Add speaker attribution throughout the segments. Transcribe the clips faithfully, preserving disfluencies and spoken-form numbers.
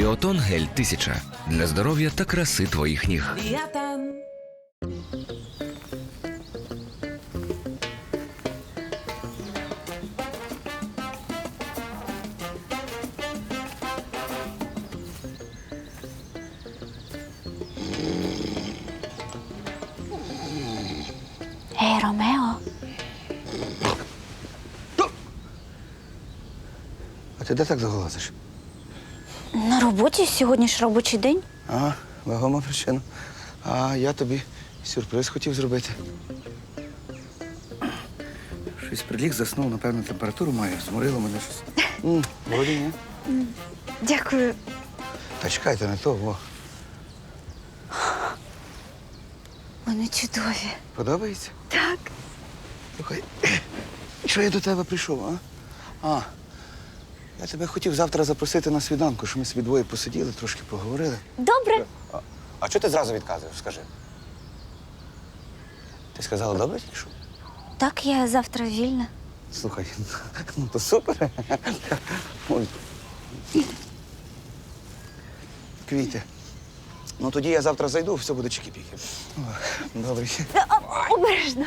Speaker 1: Біотон гель тисяча для здоров'я та краси твоїх ніг.
Speaker 2: Біотон.
Speaker 3: Ей, Ромео.
Speaker 4: А ти де так заголосиш?
Speaker 3: На роботі сьогодні ж робочий день.
Speaker 4: А, вагома причина. А я тобі сюрприз хотів зробити. Щось приліг, заснув, напевно, температуру має, зморило мене щось. М, Володя, ні?
Speaker 3: Дякую.
Speaker 4: Та чекайте, не то, во.
Speaker 3: Вони чудові.
Speaker 4: Подобається?
Speaker 3: Так.
Speaker 4: Слухай, що я до тебе прийшов, а? А, я тебе хотів завтра запросити на свіданку, щоб ми собі двоє посиділи, трошки поговорили.
Speaker 3: Добре.
Speaker 4: А, а чого ти зразу відказуєш, скажи? Ти сказала добре тільки що?
Speaker 3: Так, я завтра вільна.
Speaker 4: Слухай, ну то супер. Ой. Квіти. Ну тоді я завтра зайду, все буде чики-піки. Добре.
Speaker 3: Обережно.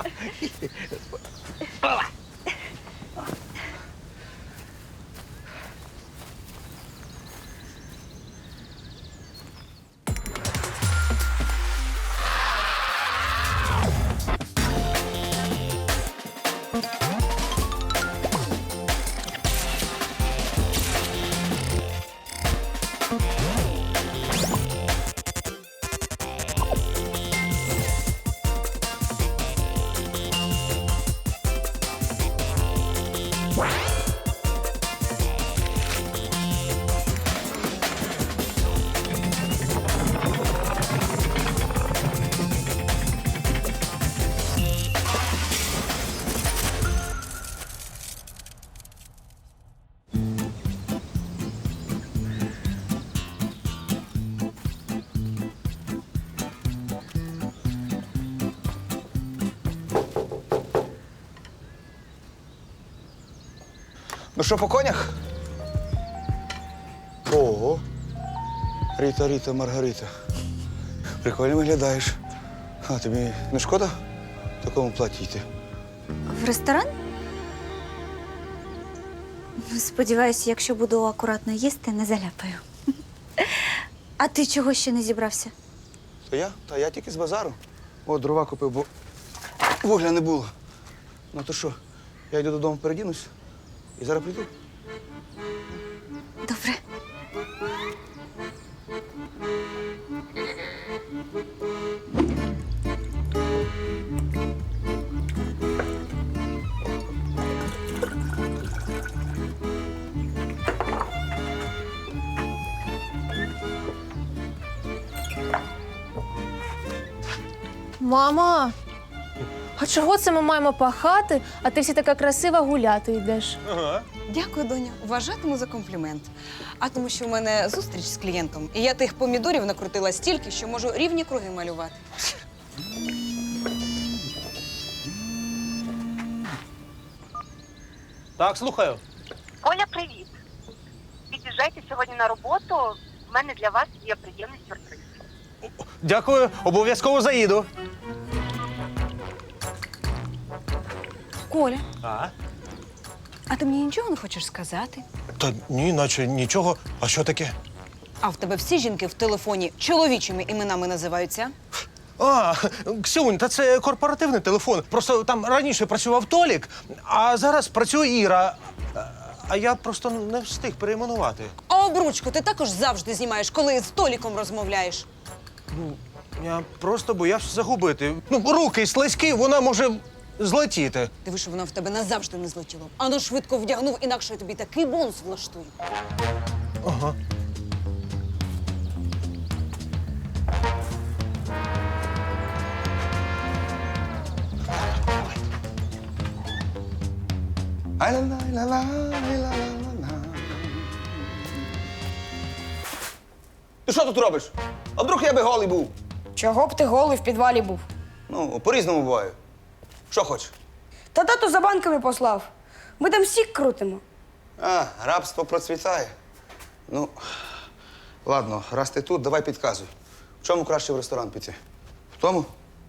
Speaker 4: Ну що, по конях? Ого. Ріта, Ріта, Маргарита. Прикольно виглядаєш. А тобі не шкода в такому платі йти?
Speaker 3: В ресторан? Сподіваюся, якщо буду акуратно їсти, не заляпаю. А ти чого ще не зібрався?
Speaker 4: То я? Та я тільки з базару. О, дрова купив, бо вугля не було. Ну то що, я йду додому, передінусь і зараз прийду.
Speaker 3: Добре.
Speaker 5: Мама, а чого це ми маємо пахати, а ти всі така красива гуляти йдеш?
Speaker 6: Дякую, доню. Вважатиму за комплімент. А тому, що в мене зустріч з клієнтом, і я тих помідорів накрутила стільки, що можу рівні круги малювати.
Speaker 7: Так, слухаю.
Speaker 8: Оля, привіт. Під'їжджайте сьогодні на роботу. У мене для вас є приємний сюрприз.
Speaker 7: Дякую, обов'язково заїду.
Speaker 6: Коля,
Speaker 7: А?
Speaker 6: а ти мені нічого не хочеш сказати?
Speaker 7: Та ні, наче нічого. А що таке?
Speaker 6: А в тебе всі жінки в телефоні чоловічими іменами називаються?
Speaker 7: А, Ксюнь, та це корпоративний телефон. Просто там раніше працював Толік, а зараз працює Іра. А я просто не встиг перейменувати.
Speaker 6: А обручку ти також завжди знімаєш, коли з Толіком розмовляєш.
Speaker 7: Я просто боявся загубити. Ну, руки слизькі, вона може злетіти.
Speaker 6: Диви, що воно в тебе назавжди не злетіло. Ану швидко вдягнув, інакше я тобі такий бонус влаштую.
Speaker 7: Ага.
Speaker 4: Ай-ла-ла-ла-ла-ла-ла-ла. Ти що тут робиш? А вдруг я би голий був?
Speaker 9: Чого б ти голий в підвалі був?
Speaker 4: Ну, по-різному буває. Що хочеш?
Speaker 9: Та тато за банками послав. Ми там сік крутимо.
Speaker 4: А, рабство процвітає. Ну, Ладно, раз ти тут, давай підказуй. В чому краще в ресторан піти? В тому?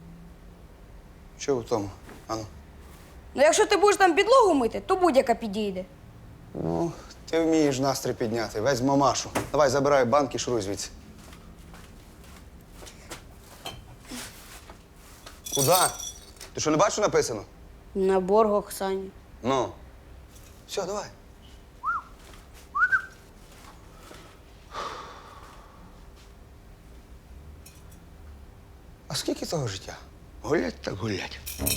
Speaker 4: Що в тому? Ану.
Speaker 9: Ну, якщо ти будеш там підлогу мити, то будь-яка підійде.
Speaker 4: Ну, ти вмієш настрій підняти. Весь мамашу. Давай, забирай банки, шуруй звідси. Куда? Ти що, не бачиш, що написано?
Speaker 9: На борг Оксані.
Speaker 4: Ну. Все, давай. А скільки того життя? Гулять так гулять.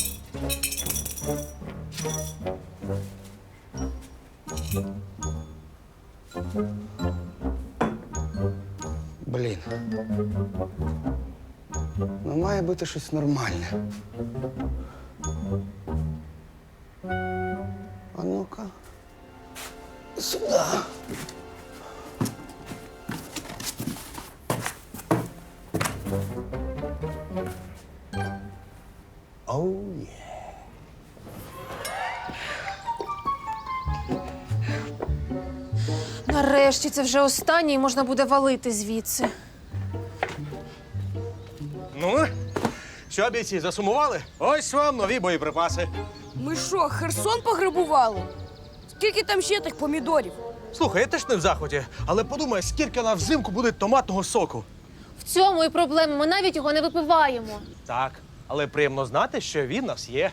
Speaker 4: Блін. Ну, має бути щось нормальне. А ну-ка. Сюди. Оу, є.
Speaker 5: Нарешті це вже останнє і можна буде валити звідси.
Speaker 7: Ну, що, бійці, засумували? Ось вам нові боєприпаси.
Speaker 9: Ми що, Херсон пограбували? Скільки там ще тих помідорів?
Speaker 7: Слухай, я теж не в захваті, але подумай, скільки на взимку буде томатного соку.
Speaker 5: В цьому і проблема, ми навіть його не випиваємо.
Speaker 7: Так, але приємно знати, що він у нас є.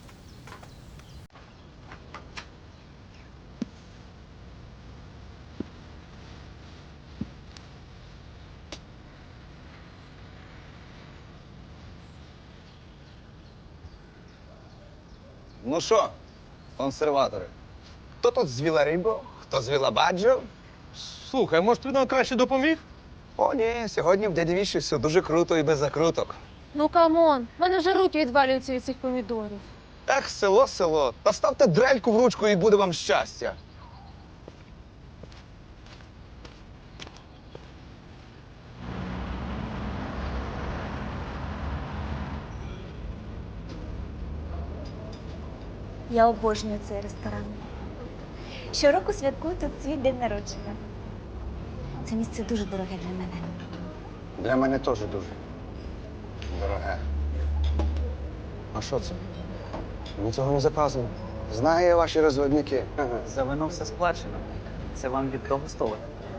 Speaker 4: Ну що, консерватори? Хто тут звіла рибу, хто звіла баджо?
Speaker 7: Слухай, може, ти нам краще допоміг?
Speaker 4: О, ні, сьогодні в дяді Віші все дуже круто і без закруток.
Speaker 5: Ну камон, в мене вже руки відвалюються від цих помідорів.
Speaker 4: Ех, село, село. Та ставте дрельку в ручку і буде вам щастя.
Speaker 3: Я обожнюю цей ресторан. Щороку святкую тут свій день народження. Це місце дуже дороге для мене.
Speaker 4: Для мене теж дуже дороге. А що це? Ми цього не заказували. Знаю я ваші розводники.
Speaker 2: За вино все сплачено. Це вам від того столу.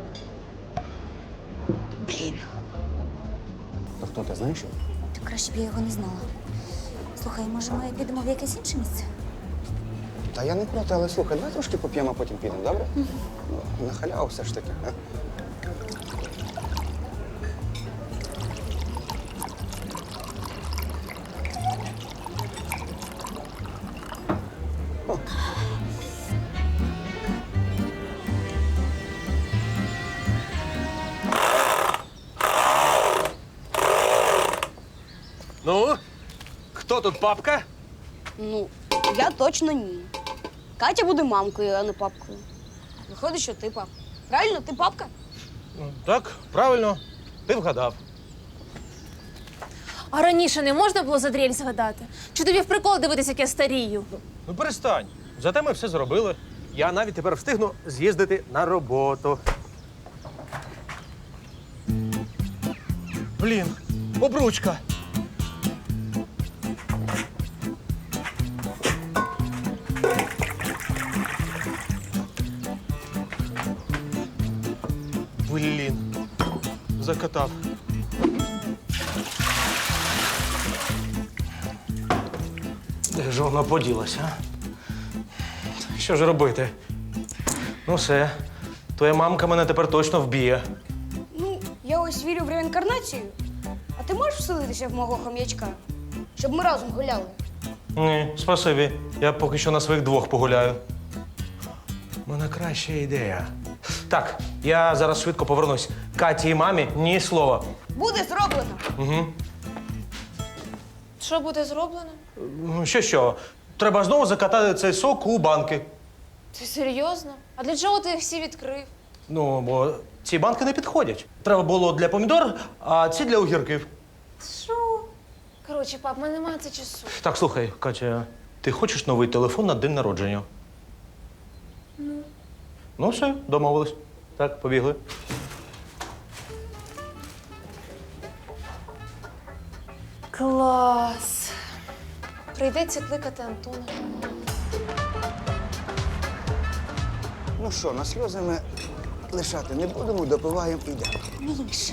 Speaker 3: Блін,
Speaker 4: То хто ти знаєш?
Speaker 3: то краще б я його не знала. Слухай, може ми підемо в якесь інше місце?
Speaker 4: Та я не проти, але слухай, давай трошки поп'ємо, а потім підемо, добре? Ну, на халяву все ж таки.
Speaker 7: Ну, хто тут папка?
Speaker 9: Ну, я точно ні. Катя буде мамкою, а не папкою. Виходить, що ти папа. Правильно, ти папка?
Speaker 7: Ну, так, правильно, ти вгадав.
Speaker 5: А раніше не можна було за дрель згадати? Чи тобі в прикол дивитися, як я старію?
Speaker 7: Ну перестань. Зате ми все зробили. Я навіть тепер встигну з'їздити на роботу. Блін, обручка. Блін, закатав. Де ж вона поділася? а? Що ж робити? Ну все, твоя мамка мене тепер точно вб'є.
Speaker 9: Ну, я ось вірю в реінкарнацію. А ти можеш вселитися в мого хом'ячка? Щоб ми разом гуляли?
Speaker 7: Ні, спасибі. Я поки що на своїх двох погуляю. У мене краща ідея. Так, я зараз швидко повернусь. Каті і мамі ні слова.
Speaker 9: Буде зроблено.
Speaker 7: Угу.
Speaker 5: Що буде зроблено?
Speaker 7: Що що? Треба знову закатати цей сок у банки.
Speaker 5: Ти серйозно? А для чого ти їх всі відкрив?
Speaker 7: Ну, бо ці банки не підходять. Треба було для помідор, а ці для огірків.
Speaker 5: Що? Коротше, пап, в мене немає це часу.
Speaker 7: Так, слухай, Катя, ти хочеш новий телефон на день народження? Ну. Ну, все, домовились. Так, побігли.
Speaker 5: Клас. Прийдеться кликати Антона.
Speaker 4: Ну що, на сльози ми лишати не будемо, допиваємо і йдемо.
Speaker 3: Міша.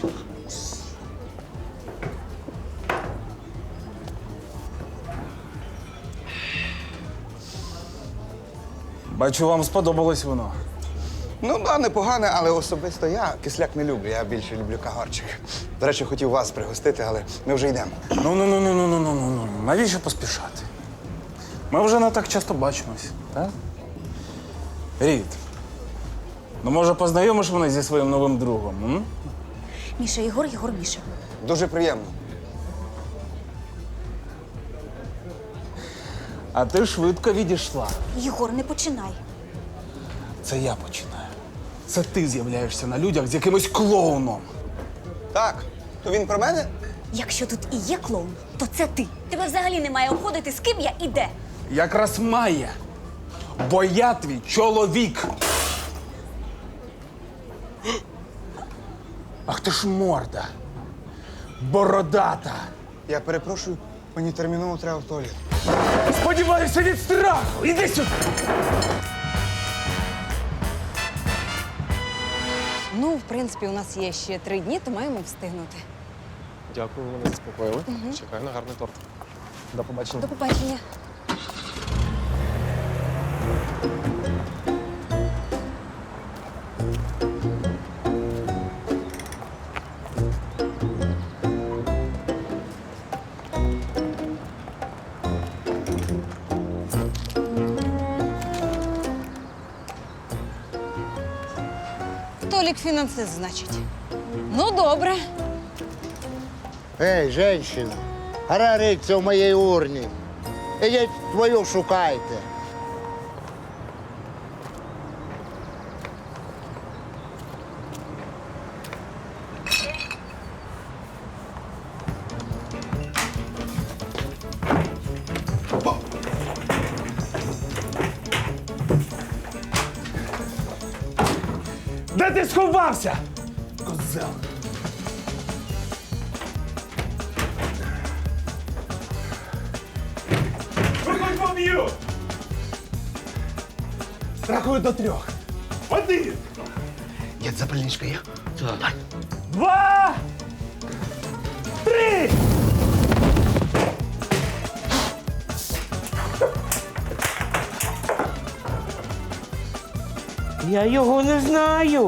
Speaker 10: Бачу, вам сподобалось воно.
Speaker 4: Ну, да, непогане, але особисто я кисляк не люблю, я більше люблю кагарчик. До речі, хотів вас пригостити, але ми вже йдемо.
Speaker 10: Ну, ну, ну, ну, ну, ну, ну, ну, ну. Навіщо поспішати? Ми вже не так часто бачимось, так? Рід, ну може познайомиш мене зі своїм новим другом? М?
Speaker 3: Міша, Єгор, Єгор, Міша.
Speaker 4: Дуже приємно.
Speaker 10: А ти швидко відійшла.
Speaker 3: Єгор, не починай.
Speaker 10: Це я починаю. Це ти з'являєшся на людях з якимось клоуном.
Speaker 4: Так, то він про мене?
Speaker 3: Якщо тут і є клоун, то це ти. Тебе взагалі немає обходити, з ким я і де.
Speaker 10: Якраз має. Бо я твій чоловік. Ах ти ж морда. Бородата.
Speaker 4: Я перепрошую, мені терміново треба в туалет.
Speaker 10: Сподіваюся від страху. Іди сюди.
Speaker 6: Ну, в принципі, у нас є ще три дні, то маємо встигнути.
Speaker 11: Дякую, ви мене заспокоїли. Чекаю на гарний торт. До побачення.
Speaker 6: До побачення. Толік фінансист, значить. Ну, добре.
Speaker 12: Ей, женщина, гора риться в моїй урні. Ідіть твою шукайте.
Speaker 10: Де ти сховався? Козел. Виходь, поб'ю! Рахую до трьох. Один.
Speaker 4: Є запальничка є? Так.
Speaker 10: Два. Три.
Speaker 7: Я його не знаю.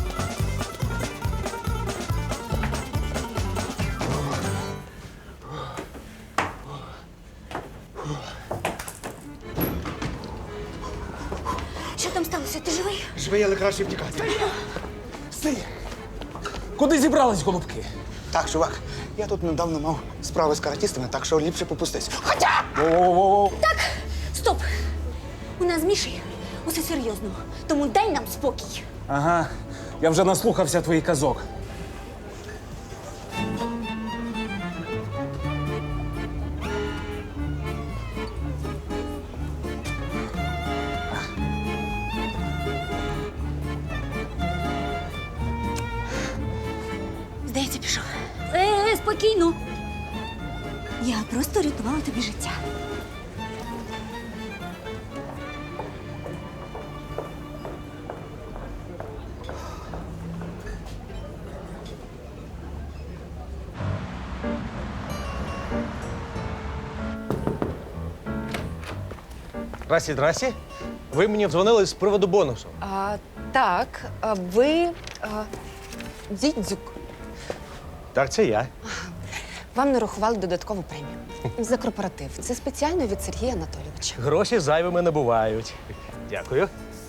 Speaker 3: Що там сталося? Ти живий?
Speaker 4: Живий, але краще втікати.
Speaker 10: Стій. Куди зібрались голубки?
Speaker 4: Так, чувак, я тут недавно мав справи з каратістами, так що ліпше попустись. Хоча!
Speaker 10: Воу-воу-воу.
Speaker 3: Стоп! У нас з Мішею усе серйозно. Тому дай нам спокій.
Speaker 10: Ага, я вже наслухався твоїх казок.
Speaker 3: Здається, пішов. Е, е, спокійно. Я просто рятувала тобі життя.
Speaker 7: Здрасті, здрасті. Ви мені дзвонили з приводу бонусу.
Speaker 6: А, так, а ви а, Дідзюк.
Speaker 7: Так, це я.
Speaker 6: Вам нарахували додаткову премію за корпоратив. Це спеціально від Сергія Анатолійовича.
Speaker 7: Гроші зайвими не бувають. Дякую.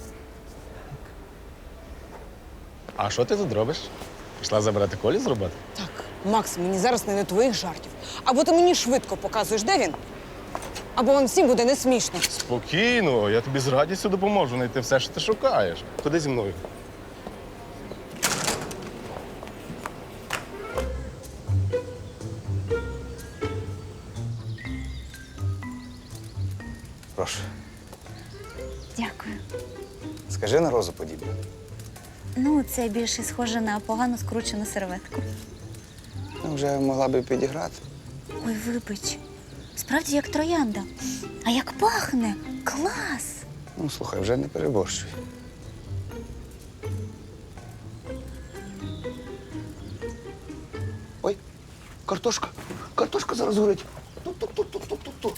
Speaker 11: А що ти тут робиш? Пішла забирати Колі з роботи?
Speaker 6: Так, Макс, мені зараз не до твоїх жартів. Або ти мені швидко показуєш, де він, або вам всім буде не смішно.
Speaker 11: Спокійно, я тобі з радістю допоможу знайти все, що ти шукаєш. Ходи зі мною.
Speaker 4: Прошу.
Speaker 3: Дякую.
Speaker 4: Скажи на розу подібне.
Speaker 3: Ну, це більше схоже на погано скручену серветку.
Speaker 4: Ну, вже могла би підіграти.
Speaker 3: Ой, вибач. Справді як троянда. А як пахне? Клас!
Speaker 4: Ну, слухай, вже не переборщуй. Ой, картошка. Картошка зараз горить. Ту-ту-ту-ту-ту-ту.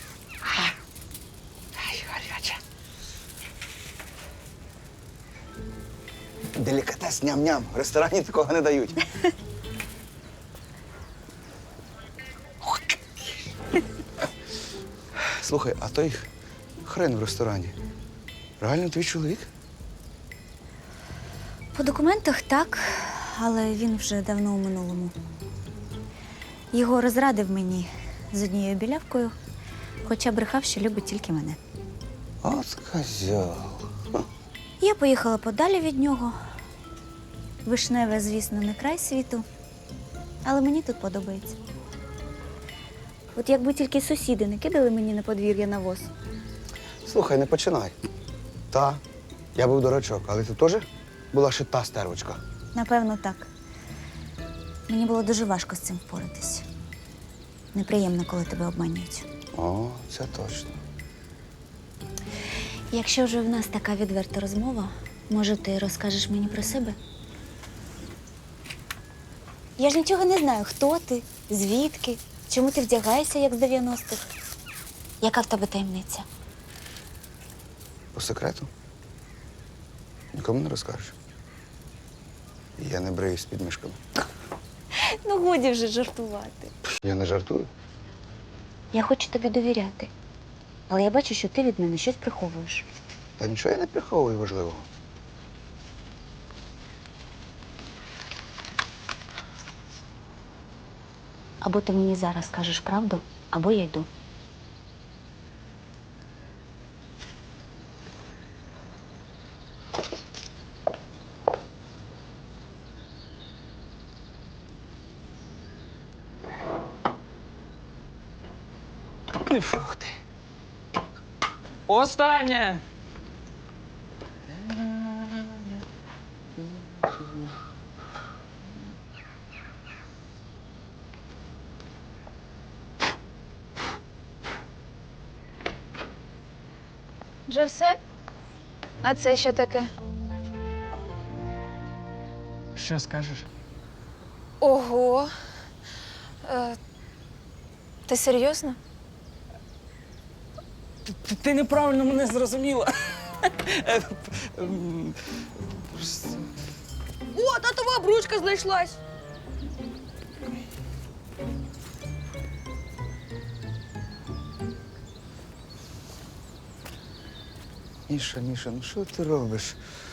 Speaker 4: Ай, гаряча. Делікатес, ням-ням. В ресторані такого не дають. Слухай, а той хрен в ресторані. Реально твій чоловік?
Speaker 3: По документах так, але він вже давно у минулому. Його розрадив мені з однією білявкою, хоча брехав, що любить тільки мене.
Speaker 4: От козьол.
Speaker 3: Я поїхала подалі від нього. Вишневе, звісно, не край світу, але мені тут подобається. От якби тільки сусіди не кидали мені на подвір'я навоз.
Speaker 4: Слухай, не починай. Та, я був дурачок, але ти теж була ще та стервочка.
Speaker 3: Напевно, так. Мені було дуже важко з цим впоратись. Неприємно, коли тебе обманюють.
Speaker 4: О, це точно.
Speaker 3: Якщо вже в нас така відверта розмова, може, ти розкажеш мені про себе? Я ж нічого не знаю, хто ти, звідки, чому ти вдягаєшся, як з дев'яностих. Яка в тебе таємниця?
Speaker 4: По секрету? Нікому не розкажеш. Я не бреюсь з підмишками.
Speaker 3: Ну, годі вже жартувати.
Speaker 4: Я не жартую.
Speaker 3: Я хочу тобі довіряти. Але я бачу, що ти від мене щось приховуєш.
Speaker 4: Та нічого я не приховую важливого.
Speaker 3: Або ти мені зараз скажеш правду, або я йду.
Speaker 2: Фух ти. Останнє.
Speaker 5: Вже все? А це що таке?
Speaker 2: Що скажеш?
Speaker 5: Ого. Е, ти серйозно?
Speaker 2: Ти, ти неправильно мене зрозуміла.
Speaker 9: О, татова обручка знайшлась.
Speaker 4: Міша, Міша, ну що ти робиш?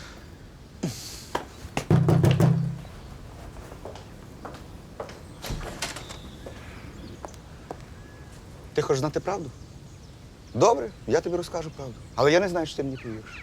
Speaker 4: Ти хочеш знати правду? Добре, я тобі розкажу правду. Але я не знаю, що ти мені повіриш.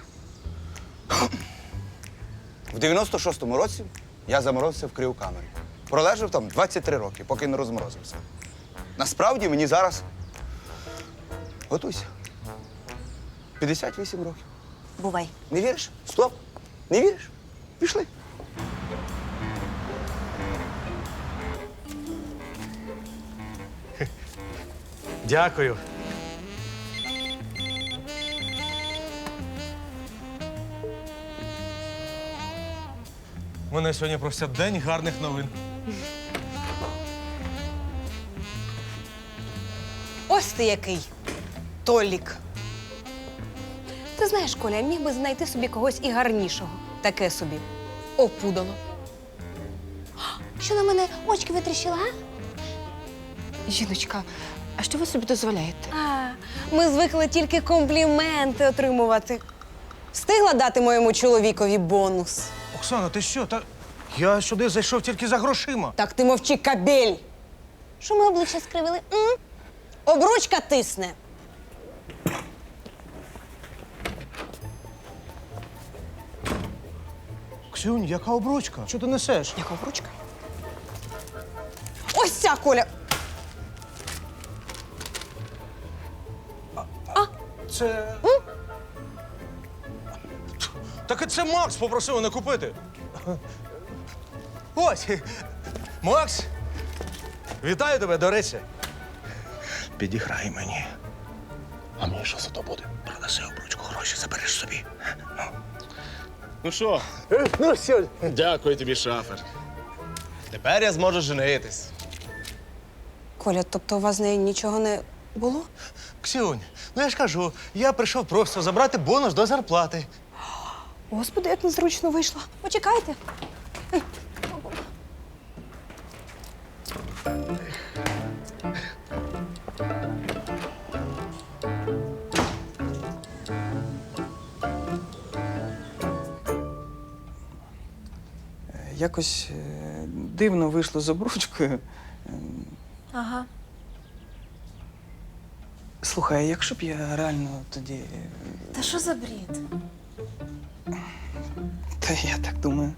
Speaker 4: В дев'яносто шостому році я заморозився в криокамері. Пролежав там двадцять три роки, поки не розморозився. Насправді мені зараз, готуйся, п'ятдесят вісім років.
Speaker 3: Бувай.
Speaker 4: Не віриш? Стоп! Не віриш? Пішли.
Speaker 7: Дякую. У мене сьогодні просто день гарних новин.
Speaker 6: Ось ти який, Толік. Ти знаєш, Коля, міг би знайти собі когось і гарнішого. Таке собі. Опудало.
Speaker 3: Що на мене очки витріщила, а?
Speaker 6: Жіночка, а що ви собі дозволяєте? А, ми звикли тільки компліменти отримувати. Встигла дати моєму чоловікові бонус.
Speaker 7: Оксана, ти що? Та я сюди зайшов тільки за грошима.
Speaker 6: Так ти мовчи, кабель.
Speaker 3: Що ми обличчя скривили? М?
Speaker 6: Обручка тисне.
Speaker 7: Ксюнь, яка обручка? Що ти несеш?
Speaker 6: Яка обручка? Ось ця, Коля.
Speaker 7: Це. Так і це Макс попросив мене купити. Ось. Макс, Вітаю тебе, до речі. Підіграй мені. А мені що за то буде? Продаси обручку, гроші забереш собі.
Speaker 11: Ну що?
Speaker 12: Ну все,
Speaker 11: Дякую тобі, шафер. Тепер я зможу женитись.
Speaker 6: Коля, тобто у вас з нею нічого не було?
Speaker 7: Ксюнь, ну я ж кажу, я прийшов просто забрати бонус до зарплати.
Speaker 6: Господи, як незручно вийшло. Почекайте.
Speaker 13: Якось е, дивно вийшло з обручкою.
Speaker 5: Ага.
Speaker 13: Слухай, а якщо б я реально тоді. е,
Speaker 5: Та що за бред?
Speaker 13: Та я так думаю.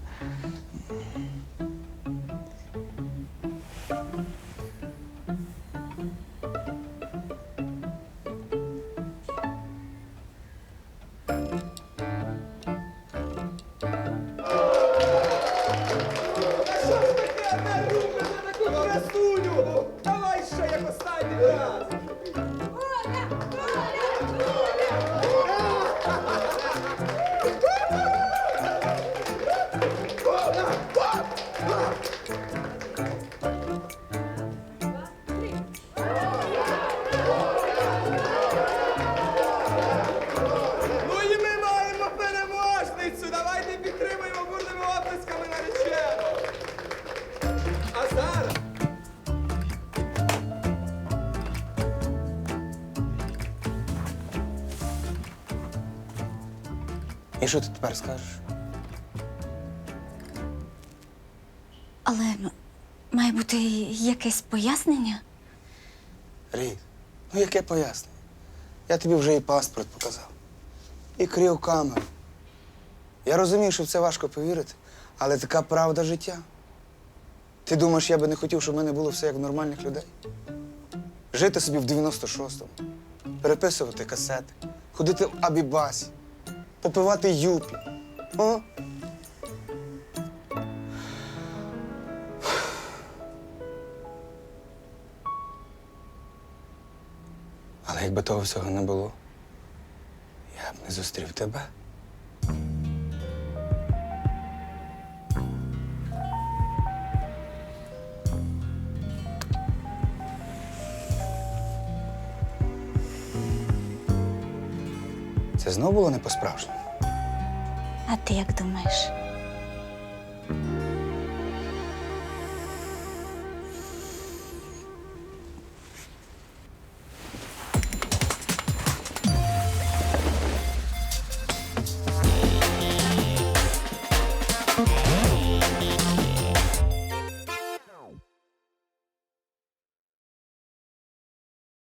Speaker 14: Ну і ми маємо переможницю! Давайте підтримуємо бурними оплесками наречену! А зараз...
Speaker 13: І що ти тепер скажеш?
Speaker 3: Але м- має бути якесь пояснення.
Speaker 13: Рід, ну яке пояснення? Я тобі вже і паспорт показав, і кріокамеру. Я розумію, що в це важко повірити, але така правда життя. Ти думаєш, я би не хотів, щоб в мене було все як в нормальних людей? Жити собі в дев'яносто шостому, переписувати касети, ходити в Абібасі, попивати юпі. О? Але якби того всього не було, я б не зустрів тебе. Це знов було не по-справжньому?
Speaker 3: А ти як думаєш?